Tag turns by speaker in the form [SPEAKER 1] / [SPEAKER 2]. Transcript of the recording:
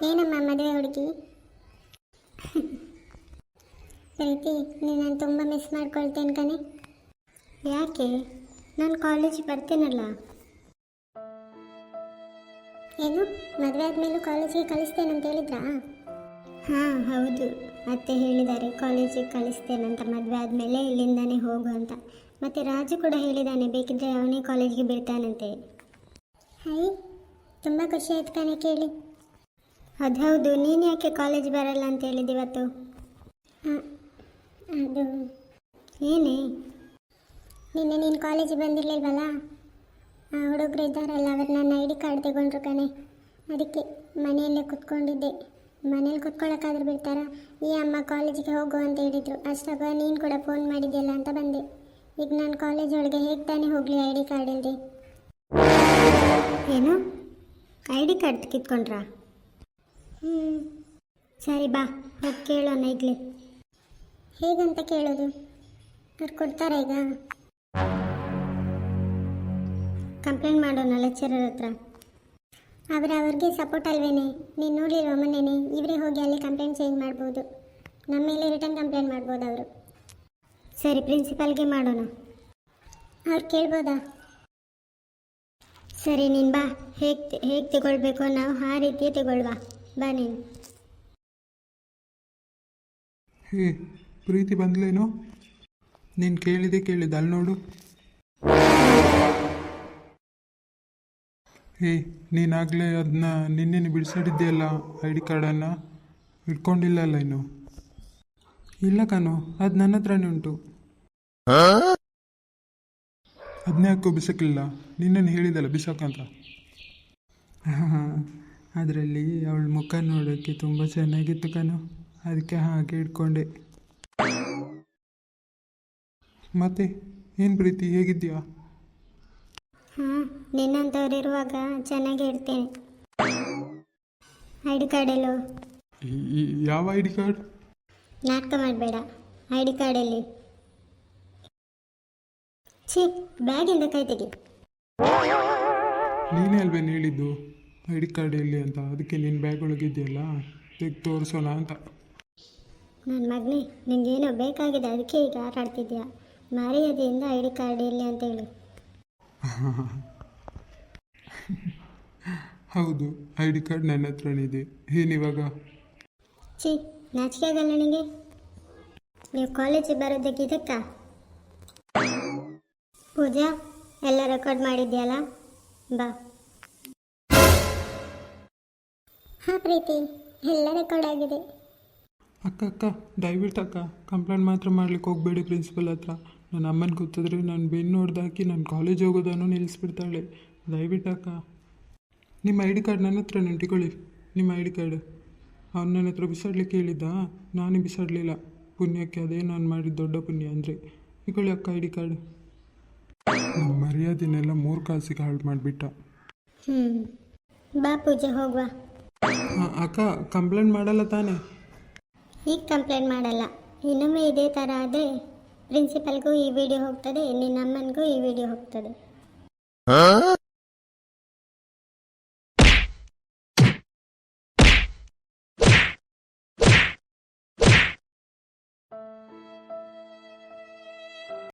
[SPEAKER 1] ಏನಮ್ಮ ಮದುವೆ ಹುಡುಗಿ? ಪ್ರೀತಿ, ನಾನು ತುಂಬ ಮಿಸ್ ಮಾಡ್ಕೊಳ್ತೇನೆ ಕಣೆ. ಯಾಕೆ? ನಾನು ಕಾಲೇಜಿಗೆ ಬರ್ತೀನಲ್ಲ. ಏನು, ಮದುವೆ ಆದಮೇಲೂ ಕಾಲೇಜಿಗೆ ಕಳಿಸ್ತೇನೆ ಅಂತ ಹೇಳಿದ್ರಾ? ಹಾಂ ಹೌದು, ಅತ್ತೆ ಹೇಳಿದ್ದಾರೆ ಕಾಲೇಜಿಗೆ ಕಳಿಸ್ತೇನಂತ ಮದುವೆ ಆದಮೇಲೆ ಇಲ್ಲಿಂದಾನೇ ಹೋಗು ಅಂತ. ಮತ್ತು ರಾಜು ಕೂಡ ಹೇಳಿದ್ದಾನೆ ಬೇಕಿದ್ದರೆ ಅವನೇ ಕಾಲೇಜಿಗೆ ಬಿಡ್ತಾನಂತೆ. ಹೈ, ತುಂಬ ಖುಷಿ ಆಯ್ತು ಕಣೆ ಕೇಳಿ. ಅದು ಹೌದು, ನೀನು ಯಾಕೆ ಕಾಲೇಜ್ ಬರಲ್ಲ ಅಂತ ಹೇಳಿದ್ದು ಇವತ್ತು? ಅದು ಏನೇ, ನಿನ್ನೆ ನೀನು ಕಾಲೇಜಿಗೆ ಬಂದಿರಲಿಲ್ವಲ್ಲ, ಹುಡುಗರು ಇದ್ದಾರಲ್ಲ ಅವರು ನನ್ನ ಐ ಡಿ ಕಾರ್ಡ್ ತಗೊಂಡ್ರು ಕಣೆ. ಅದಕ್ಕೆ ಮನೆಯಲ್ಲೇ ಕುತ್ಕೊಂಡಿದ್ದೆ. ಮನೇಲಿ ಕುತ್ಕೊಳ್ಳೋಕ್ಕಾದ್ರೂ ಬಿಡ್ತಾರಾ? ಈ ಅಮ್ಮ ಕಾಲೇಜಿಗೆ ಹೋಗು ಅಂತ ಹೇಳಿದರು. ಅಷ್ಟಾಗ ನೀನು ಕೂಡ ಫೋನ್ ಮಾಡಿದ್ಯಲ್ಲ ಅಂತ ಬಂದೆ. ಈಗ ನಾನು ಕಾಲೇಜ್ ಒಳಗೆ ಹೇಗೆ ತಾನೇ ಹೋಗಲಿ ಐ ಡಿ ಕಾರ್ಡ್ ಇಲ್ಲದೆ? ಏನು, ಐ ಡಿ ಕಾರ್ಡ್ ಕಿತ್ಕೊಂಡ್ರಾ? ಸರಿ ಬಾ, ಹೋಗಿ ಕೇಳೋಣ ಈಗಲೇ. ಹೇಗಂತ ಕೇಳೋದು? ಅವ್ರು ಕೊಡ್ತಾರಾ ಈಗ? ಕಂಪ್ಲೇಂಟ್ ಮಾಡೋಣ ಲೆಕ್ಚರರ್ ಹತ್ರ. ಅವ್ರಿಗೆ ಸಪೋರ್ಟ್ ಅಲ್ವೇನೆ? ನೀನು ನೋಡಿರೋ ಮೊನ್ನೆನೆ ಇವರೇ ಹೋಗಿ ಅಲ್ಲಿ ಕಂಪ್ಲೇಂಟ್ ಚೇಂಜ್ ಮಾಡ್ಬೋದು. ನಮ್ಮ ಮೇಲೆ ರಿಟರ್ನ್ ಕಂಪ್ಲೇಂಟ್ ಮಾಡ್ಬೋದು ಅವರು. ಸರಿ, ಪ್ರಿನ್ಸಿಪಾಲ್ಗೆ ಮಾಡೋಣ. ಅವ್ರು ಕೇಳ್ಬೋದಾ? ಸರಿ, ನೀನು ಬಾ. ಹೇಗೆ ತಗೊಳ್ಬೇಕು ನಾವು ಆ ರೀತಿಯೇ ತಗೊಳ್ವಾ. ಬಾ ನೀನು.
[SPEAKER 2] ಹೇ ಪ್ರೀತಿ ಬಂದ್ಲೇನೋ? ನೀನು ಕೇಳಿದೆ ಅಲ್ಲಿ ನೋಡು. ಹೇ, ನೀನಾಗಲೇ ಅದನ್ನ ನಿನ್ನೆ ಬಿಡಿಸಿಡಿದ್ದೆಯಲ್ಲ ಐ ಡಿ ಕಾರ್ಡನ್ನು, ಇಟ್ಕೊಂಡಿಲ್ಲಲ್ಲ ಇನ್ನು? ಇಲ್ಲ ಕಣೋ, ಅದು ನನ್ನ ಹತ್ರನೇ ಉಂಟು. ಅದನ್ನೇ ಯಾಕೋ ಬಿಸಾಕಲಿಲ್ಲ? ನಿನ್ನನ್ನು ಹೇಳಿದಲ್ಲ ಬಿಸಾಕಂತ. ಅದರಲ್ಲಿ ಅವಳ ಮುಖ ನೋಡೋಕ್ಕೆ ತುಂಬ ಚೆನ್ನಾಗಿತ್ತು ಕಣೋ, ಅದಕ್ಕೆ ಹಾಗೆ ಇಟ್ಕೊಂಡೆ. ಮತ್ತೆ ಏನು ಪ್ರೀತಿ, ಹೇಗಿದ್ದೀಯಾ?
[SPEAKER 1] ಹಾಂ, ನಿನ್ನಂಥವ್ರಿರುವಾಗ ಚೆನ್ನಾಗೇ ಇರ್ತೇನೆ. ಐ ಡಿ ಕಾರ್ಡ್ ಎಲ್ಲೋ?
[SPEAKER 2] ಯಾವ ಐ ಡಿ ಕಾರ್ಡ್?
[SPEAKER 1] ನಾಟಕ ಮಾಡಬೇಡ. ಐ ಡಿ ಕಾರ್ಡಲ್ಲಿ ಛೀ, ಬ್ಯಾಗಿಂದ ಕೈ ತೆಗಿ.
[SPEAKER 2] ನೀನೇ ಅಲ್ವೇನು ಹೇಳಿದ್ದು ಐ ಡಿ ಕಾರ್ಡ್ ಎಲ್ಲಿ ಅಂತ? ಅದಕ್ಕೆ ನಿನ್ನ ಬ್ಯಾಗ್ ಒಳಗಿದೆಯಲ್ಲ, ತೆಗೆದು ತೋರಿಸೋಣ ಅಂತ.
[SPEAKER 1] ನನ್ನ ಮಗನೇ, ನಿನಗೇನೋ ಬೇಕಾಗಿದೆ ಅದಕ್ಕೆ ಈಗ ಆಟ ಆಡ್ತಿದ್ಯಾ? ಮರ್ಯಾದೆಯಿಂದ ಐ ಡಿ ಕಾರ್ಡ್ ಎಲ್ಲಿ ಅಂತ ಹೇಳು.
[SPEAKER 2] ಹೌದು, ಐ ಡಿ ಕಾರ್ಡ್ ನನ್ನ ಹತ್ರನಿದೆ. ಏನಿವಾಗ?
[SPEAKER 1] ಛೀ, ನಾಚಿಕೆ ಆಗಲ್ಲ ನನಗೆ? ನೀವು ಕಾಲೇಜಿಗೆ ಬರೋದಕ್ಕೆ ಇದಕ್ಕ? ಪೂಜಾ, ಎಲ್ಲ ರೆಕಾರ್ಡ್ ಮಾಡಿದ್ಯಲ್ಲ, ಬಾ. ಹಾಂ ಪ್ರೀತಿ, ಎಲ್ಲ ರೆಕಾರ್ಡ್ ಆಗಿದೆ.
[SPEAKER 2] ಅಕ್ಕ ದಯವಿಟ್ಟು ಅಕ್ಕ, ಕಂಪ್ಲೇಂಟ್ ಮಾತ್ರ ಮಾಡ್ಲಿಕ್ಕೆ ಹೋಗಬೇಡಿ ಪ್ರಿನ್ಸಿಪಲ್ ಹತ್ರ. ನನ್ನ ಅಮ್ಮನ ಗೊತ್ತಿದ್ರೆ ನಾನು ಬೆನ್ನು ಹೊಡೆದಾಕಿ ನಾನು ಕಾಲೇಜ್ ಹೋಗೋದನ್ನು ನಿಲ್ಲಿಸ್ಬಿಡ್ತಾಳೆ. ದಯವಿಟ್ಟು ಅಕ್ಕ. ನಿಮ್ಮ ಐ ಡಿ ಕಾರ್ಡ್ ನನ್ನ ಹತ್ರ ನೆಂಟಿಕೊಳ್ಳಿ. ನಿಮ್ಮ ಐ ಡಿ ಕಾರ್ಡ್ ಅವ್ನು ನನ್ನ ಹತ್ರ ಬಿಸಾಡ್ಲಿಕ್ಕೆ ಹೇಳಿದ್ದ, ನಾನೇ ಬಿಸಾಡಲಿಲ್ಲ. ಪುಣ್ಯಕ್ಕೆ ಅದೇ ನಾನು ಮಾಡಿದ ದೊಡ್ಡ ಪುಣ್ಯ ಅಂದರೆ. ಇಕೊಳ್ಳಿ ಅಕ್ಕ ಐ ಡಿ ಕಾರ್ಡ್. ನಮ್ಮ ಮರ್ಯಾದೆನೆಲ್ಲ 3 ಕಾಸಿಗೆ ಹಾಳು ಮಾಡಿಬಿಟ್ಟ.
[SPEAKER 1] ಬಾ ಪೂಜೆ, ಹೋಗುವ.
[SPEAKER 2] ಹಾಂ ಅಕ್ಕ, ಕಂಪ್ಲೇಂಟ್ ಮಾಡಲ್ಲ ತಾನೇ?
[SPEAKER 1] ಈಗ ಕಂಪ್ಲೇಂಟ್ ಮಾಡಲ್ಲ. ಇನ್ನೊಮ್ಮೆ ಇದೇ ಥರ ಆದರೆ ಪ್ರಿನ್ಸಿಪಲ್ಗೂ ಈ ವಿಡಿಯೋ ಹೋಗ್ತದೆ, ನಿನ್ನ ಅಮ್ಮನಿಗೂ ಈ ವಿಡಿಯೋ ಹೋಗ್ತದೆ.